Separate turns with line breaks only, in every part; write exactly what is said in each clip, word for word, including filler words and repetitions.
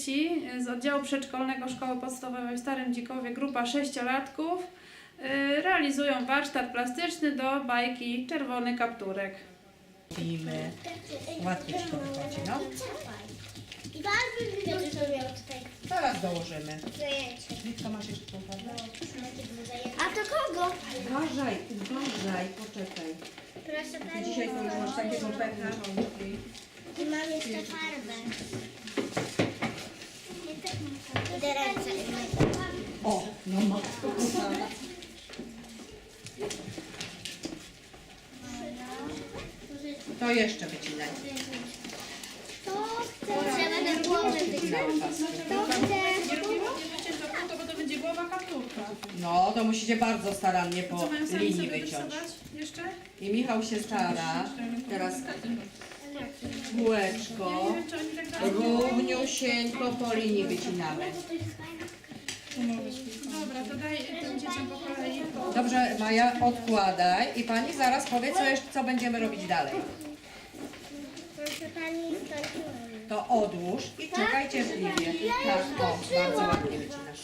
dzieci z oddziału przedszkolnego Szkoły Podstawowej w Starym Dzikowie, grupa sześciolatków, y, realizują warsztat plastyczny do bajki Czerwony Kapturek.
Robimy. Łatwiej ci to wychodzi, no.
I bardzo bym to zrobił tutaj
Zaraz dołożymy.
zajęcie.
Litka, masz jeszcze tą farbę?
A to kogo?
Uważaj, uważaj, poczekaj.
Proszę
Ty
pani.
dzisiaj to już masz takiego pecha.
I mam jeszcze farbę. Idę ręce.
O, no matko kochana. To jeszcze wycinaj.
To chcę. Trzeba na głowę wyciąć. To chcę.
Nie robimy? Nie wycięto krótko, bo to będzie głowa kapturka.
No, to musicie bardzo starannie po
Co mają sami
linii
sobie
wyciąć.
rysować jeszcze?
I Michał się stara. Teraz kółeczko.
Nie wiem, czy oni tak dalej.
Równiusieńko po linii wycinamy.
Dobra, to daj tym dzieciom po kolei.
Dobrze, Maja, odkładaj i pani zaraz powie, co, jeszcze, co będziemy robić dalej.
Proszę pani, skończyłam.
To odłóż i czekaj cierpliwie. Tak, o, bardzo ładnie wycinasz.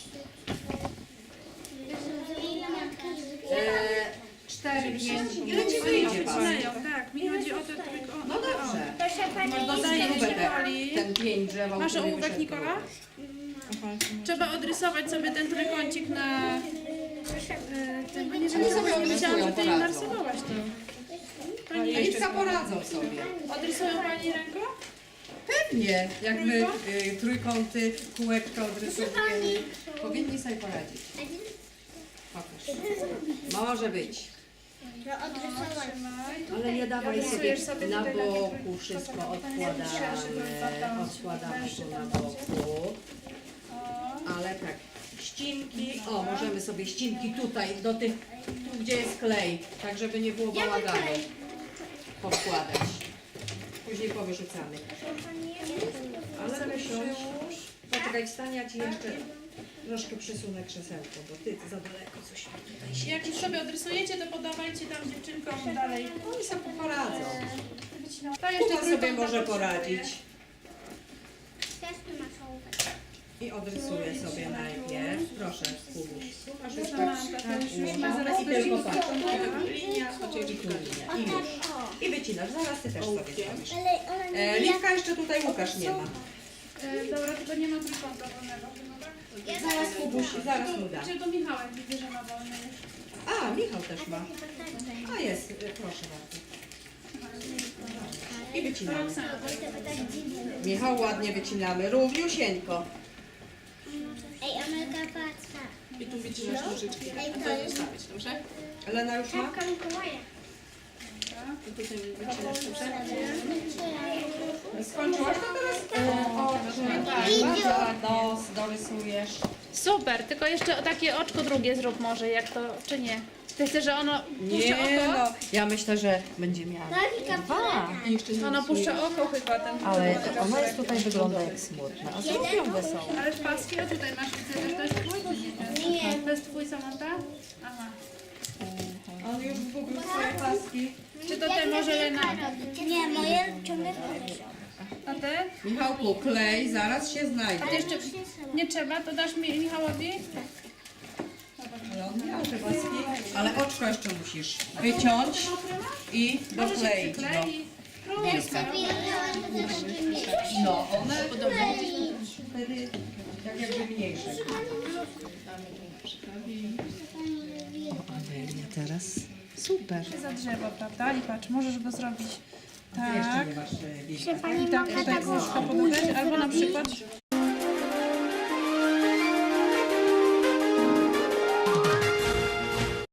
Eee, cztery, pięć, ile ci wyjdzie pan?
Wycinają, tak. Mi chodzi o te trójko.
No dobrze.
Proszę pani,
Dodaję
Śrubę te,
Nikoli.
ten pięć drzewa,
Masz
który
ołówek,
wyszedł.
Nikola? Trzeba odrysować sobie ten trójkącik na... e, tym, bo nie wiem,
Oni sobie
nie wiedziałam, że ty im
odrysują,
narysowałaś to. Pani
Litka poradzą sobie.
odrysują pani ręką?
Pewnie, jak my y, trójkąty, kółeczka odrysowujemy, powinni sobie poradzić. Pokaż. Może być.
No odrysowałam.
Ale nie dawaj sobie
Rysujesz sobie
na
tutaj takie
boku, wszystko odkładamy, odkładamy tu na boku. Ale tak, ścinki, o możemy sobie ścinki tutaj, do tych, tu gdzie jest klej, tak żeby nie było bałaganu, podkładać. Później powyrzucamy. Ale wysiądź, poczekaj, wstań, ja ci jeszcze troszkę przesunę krzesełko, bo ty za daleko coś mi tutaj się...
Jak już sobie odrysujecie, to podawajcie tam dziewczynkom dalej.
Oni sobie poradzą.
To jeszcze
Kuba sobie
trójkąta
może
potrzebuję.
poradzić.
Też tu masz ołówek.
I odrysuję sobie najpierw. Proszę, Kubuś. Tu masz już tak,
Samanta, to
tak,
już już
no,
ma zaraz
i tylko
będzie
patrz.
linia, chociaż
I tu linia. I już. I wycinasz. Zaraz ty też sobie zrobisz.
Ale ona nie
E, Liwka jeszcze tutaj Łukasz nie ma.
E, Dobra, tylko nie ma trójkąta wolnego chyba, tak?
Zaraz Kubuś, zaraz mu da.
Czy do Michała widzę, że ma wolny już.
A, Michał też ma. A jest, e, proszę bardzo. I wycinamy.
Roxana.
Michał ładnie wycinamy. Równiusieńko.
Ej, Amelka, patrz.
I tu wycinasz nożyczki.
Ej, to jest
Dobrze?
Elena już ma?
czapka Mikołaja.
I tutaj wycinasz, dobrze?
Skończyłaś to teraz? E, oczy, tak. Bardzo ładnie. Nos dorysujesz.
Super, tylko jeszcze takie oczko drugie zrób może, jak to, czy nie? Ty chcesz, że ono puszcza
Nie
oko?
no, ja myślę, że będzie miała dwa.
Ono puszcza oko chyba, ten
Ale ona jest tutaj wygląda jak smutna, a zrobione są.
Ale paski, o tutaj masz, widzę, że to jest twój, czy nie? Nie. To jest twój, Samanta? Aha.
On już zgubił swoje paski.
Czy to ty może Lena?
Nie, moje ciągle wchodzą.
A ty?
Michałku, klej zaraz się znajdzie.
A ty jeszcze nie trzeba, to dasz mi Michałowi?
Ale on miał te paski. Ale oczko jeszcze musisz wyciąć i dokleić. No,
Klei. Królewska.
no one wtedy tak jakby mniejsze. Amelia teraz. Super.
Za drzewo, prawda? I patrz, możesz go zrobić
Jeszcze
tak.
nie masz e, liścia.
I tak tutaj kółeczko podać, albo na przykład